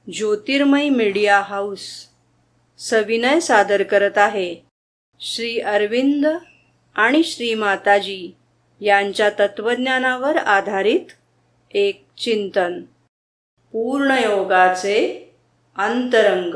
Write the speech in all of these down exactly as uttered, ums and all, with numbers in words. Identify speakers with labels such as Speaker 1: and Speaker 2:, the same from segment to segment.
Speaker 1: ज्योतिर्मय media house सविनय सादर करत आहे श्री अरविंद आणि श्री माताजी यांच्या तत्वज्ञानावर आधारित एक चिंतन. पूर्णयोगाचे अंतरंग.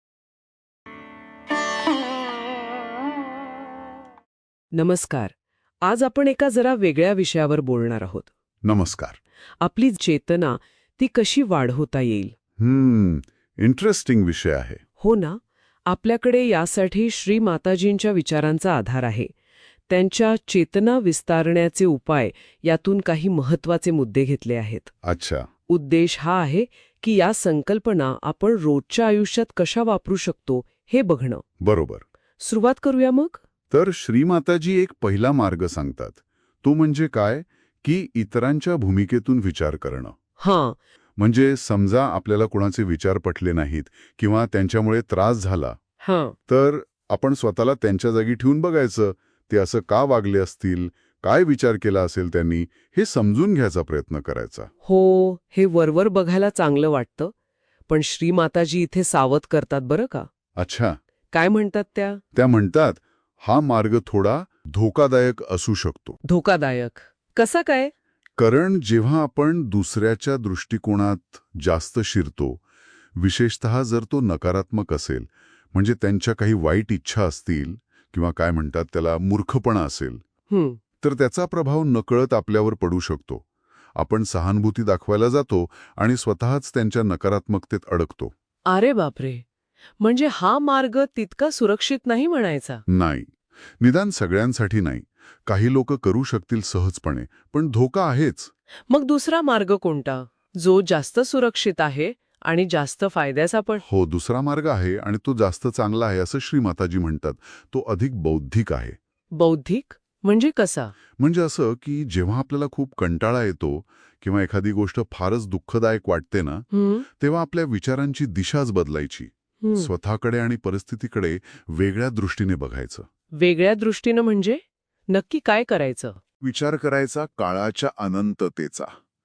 Speaker 2: नमस्कार. आज आपण एका जरा वेगळ्या विषयावर बोलणार आहोत.
Speaker 3: नमस्कार.
Speaker 2: आपली चेतना ती कशी वाढवता येईल.
Speaker 3: हम्म इंटरेस्टिंग विषय आहे.
Speaker 2: हो ना. आपल्याकडे यासाठी श्री माताजींच्या विचारांचा आधार आहे. त्यांच्या चेतना विस्तारण्याचे उपाय यातून काही महत्वाचे मुद्दे घेतले आहेत.
Speaker 3: अच्छा.
Speaker 2: उद्देश हा आहे की या संकल्पना आपण रोजच्या आयुष्यात कशा वापरू शकतो हे बघणं.
Speaker 3: बरोबर.
Speaker 2: सुरुवात करूया मग.
Speaker 3: तर श्रीमाताजी एक पहिला मार्ग सांगतात. तो म्हणजे काय की इतरांच्या भूमिकेतून विचार करणं.
Speaker 2: हां.
Speaker 3: म्हणजे समजा आपल्याला कोणाचे विचार पटले नाहीत किंवा त्यांच्यामुळे त्रास झाला,
Speaker 2: हां.
Speaker 3: तर आपण स्वतःला त्यांच्या जागी ठेवून बघायचं. ते असं का वागले असतील, काय विचार केला असेल त्यांनी, हे समजून घ्यायचा प्रयत्न करायचा.
Speaker 2: हो, हे वरवर बघायला चांगलं वाटतं. पण श्री माताजी इथे सावध करतात बरं का.
Speaker 3: अच्छा.
Speaker 2: काय म्हणतात त्या?
Speaker 3: त्या म्हणतात हा मार्ग थोडा धोकादायक असू शकतो.
Speaker 2: धोकादायक कसा काय?
Speaker 3: कारण जेव्हा आपण दुसऱ्याच्या दृष्टिकोनात जास्त शिरतो, विशेषतः जर तो नकारात्मक असेल, म्हणजे त्यांच्या काही वाईट इच्छा असतील किंवा काय म्हणतात त्याला मूर्खपणा असेल,
Speaker 2: हं.
Speaker 3: तर त्याचा प्रभाव नकळत आपल्यावर पडू शकतो. आपण सहानुभूती दाखवायला जातो आणि स्वतःच त्यांच्या नकारात्मकतेत अडकतो.
Speaker 2: अरे बापरे. म्हणजे हा मार्ग तितका सुरक्षित नाही म्हणायचा.
Speaker 3: नाही, निदान सगळ्यांसाठी नाही. काही लोक करू शकतील सहजपणे, पण धोका आहेच.
Speaker 2: मग दुसरा मार्ग कोणता, जो जास्त सुरक्षित आहे आणि जास्त फायद्याचा पण?
Speaker 3: हो, दुसरा मार्ग आहे आणि तो जास्त चांगला आहे असं श्रीमाताजी म्हणतात. तो अधिक बौद्धिक आहे.
Speaker 2: बौद्धिक म्हणजे कसा?
Speaker 3: म्हणजे असं की जेव्हा आपल्याला खूप कंटाळा येतो किंवा एखादी गोष्ट फारच दुःखदायक वाटते ना,
Speaker 2: हं,
Speaker 3: तेव्हा आपल्या विचारांची दिशाच बदलायची.
Speaker 2: हं.
Speaker 3: स्वतःकडे आणि परिस्थितीकडे वेगळ्या दृष्टीने बघायचं.
Speaker 2: वेगळ्या दृष्टीनं म्हणजे नक्की काय करायचं?
Speaker 3: विचार करायचा काळाच्या अनंततेचा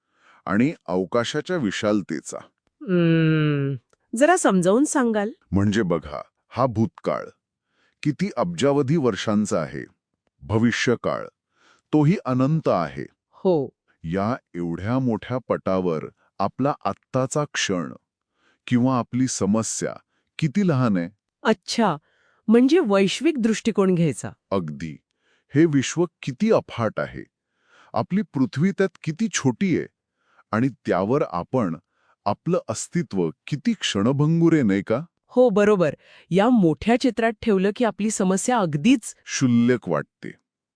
Speaker 3: आणि अवकाशाच्या विशालतेचा.
Speaker 2: हम्म, जरा समजावून सांगाल?
Speaker 3: म्हणजे बघा, हा भूतकाळ किती अब्जावधी वर्षांचा आहे. भविष्यकाळ तोही अनंत आहे.
Speaker 2: हो.
Speaker 3: या एवढ्या मोठ्या पटावर आपला आत्ताचा क्षण किंवा आपली समस्या किती लहान आहे.
Speaker 2: अच्छा, म्हणजे वैश्विक दृष्टिकोन घ्यायचा.
Speaker 3: अगदी. हे विश्व किती अफाट आहे, आपली पृथ्वी त्यात किती छोटी आहे आणि त्यावर आपण आपलं अस्तित्व किती क्षणभंगुर आहे, नाही का?
Speaker 2: हो, बरोबर. या मोठ्या चित्रात ठेवलं की आपली समस्या अगदीच
Speaker 3: क्षुल्लक वाटते,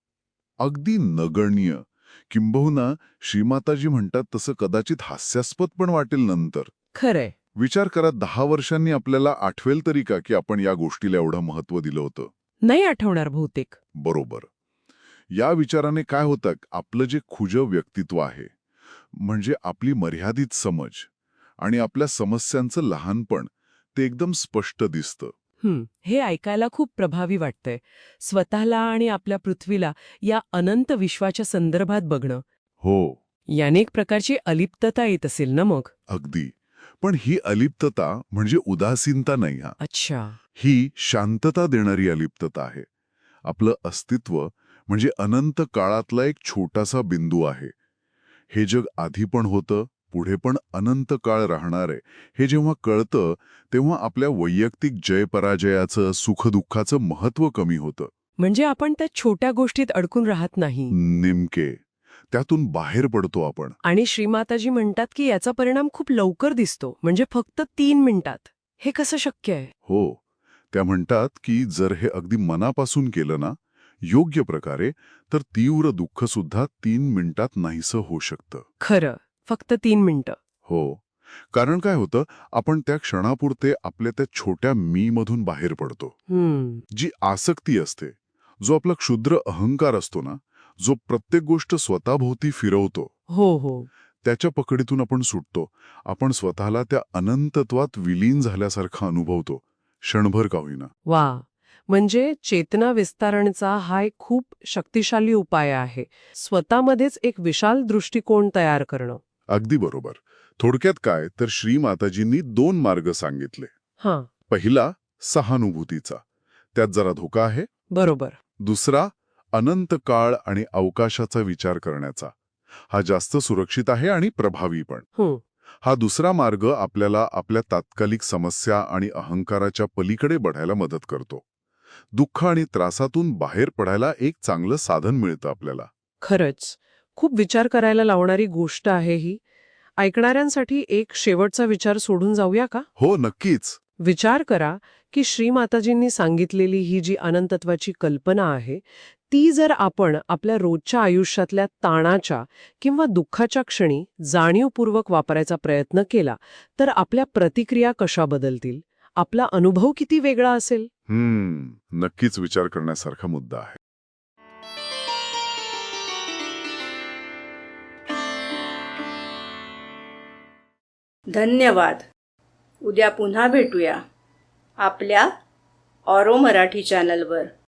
Speaker 3: अगदी नगण्य. किंबहुना श्रीमाताजी म्हणतात तसं कदाचित हास्यास्पद पण वाटेल नंतर.
Speaker 2: खरंय.
Speaker 3: विचार करा, दहा वर्षांनी आपल्याला आठवेल तरी का की आपण या गोष्टीला एवढं महत्त्व दिलं होतं?
Speaker 2: नाही आठवणार बहुतेक.
Speaker 3: बरोबर. या विचाराने काय होतं, आपलं जे खुजं व्यक्तित्व आहे, म्हणजे आपली मर्यादित समज आणि आपल्या समस्यांचं लहानपण, ते एकदम स्पष्ट दिसतं.
Speaker 2: हं, हे ऐकायला खूप प्रभावी वाटतंय. स्वतःला आणि आपल्या पृथ्वीला या अनंत विश्वाच्या संदर्भात बघणं.
Speaker 3: हो.
Speaker 2: याने एक प्रकारची अलिप्तता येत असेल ना मग?
Speaker 3: अगदी. पण ही अलिप्तता म्हणजे उदासीनता नाही. हा
Speaker 2: अच्छा.
Speaker 3: ही शांतता देणारी अलिप्तता आहे. आपलं अस्तित्व म्हणजे अनंत काळातला एक छोटासा बिंदू आहे. हे जग आधी पण होतं, पुढे पण अनंत काळ राहणार आहे. हे जेव्हा कळतं तेव्हा आपल्या वैयक्तिक जय-पराजयाचं, सुख-दुःखाचं महत्त्व कमी होतं.
Speaker 2: म्हणजे आपण त्या छोट्या गोष्टीत अडकून राहत नाही.
Speaker 3: नेमके. त्यातून बाहेर पडतो आपण.
Speaker 2: आणि श्रीमाताजी म्हणतात की याचा परिणाम खूप लवकर दिसतो, म्हणजे फक्त तीन मिनिटात. हे कसं शक्य आहे?
Speaker 3: हो. त्या म्हणतात की जर हे अगदी मनापासून केलं ना, योग्य प्रकारे, तर तीव्र दुःख सुद्धा तीन मिनिटात नाहीसं होऊ शकतं.
Speaker 2: खरं, फक्त तीन मिनिटं.
Speaker 3: हो. कारण काय होतं, आपण त्या क्षणापुरते आपल्या त्या छोट्या मी मधून बाहेर पडतो.
Speaker 2: हम्म.
Speaker 3: जी आसक्ती असते, जो आपला क्षुद्र अहंकार असतो ना, जो प्रत्येक गोष्ट स्वतःभोवती फिरवतो,
Speaker 2: हो हो.
Speaker 3: त्याच्या पकडीतून आपण सुटतो. आपण स्वतःला त्या अनंतत्वात विलीन झाल्यासारखा अनुभवतो, क्षणभर का होईना.
Speaker 2: वा. म्हणजे चेतना विस्तारणचा हा एक खूप शक्तिशाली उपाय आहे. स्वतःमध्येच एक विशाल दृष्टिकोन तयार करणं.
Speaker 3: अगदी बरोबर. थोडक्यात काय तर श्री माताजींनी दोन मार्ग सांगितले.
Speaker 2: हां,
Speaker 3: पहिला सहानुभूतीचा, त्यात जरा धोका आहे.
Speaker 2: बरोबर.
Speaker 3: दुसरा अनंत काळ आणि अवकाशाचा विचार करण्याचा, हा जास्त सुरक्षित आहे आणि प्रभावी पण.
Speaker 2: हं,
Speaker 3: हा दुसरा मार्ग आपल्याला आपल्या तात्कालिक समस्या आणि अहंकाराच्या पलीकडे बढायला मदत करतो. दुःख आणि त्रासातून बाहेर पडायला एक चांगलं साधन मिळतं आपल्याला.
Speaker 2: खरंच. खूप विचार करायला लावणारी गोष्ट आहे ही. ऐकणाऱ्यांसाठी एक शेवटचा विचार सोडून जाऊया का?
Speaker 3: हो, नक्कीच.
Speaker 2: विचार करा की श्री माताजींनी सांगितलेली ही जी अनंतत्वाची कल्पना आहे ती जर आपण आपल्या रोजच्या आयुष्यातल्या ताणाच्या किंवा दुःखाच्या क्षणी जाणीवपूर्वक वापरायचा प्रयत्न केला तर आपल्या प्रतिक्रिया कशा बदलतील, आपला अनुभव किती वेगळा असेल?
Speaker 3: हम्म, नक्कीच विचार करण्यासारखा मुद्दा आहे.
Speaker 1: धन्यवाद. उद्या पुन्हा भेटूया आपल्या ऑरो मराठी चॅनलवर.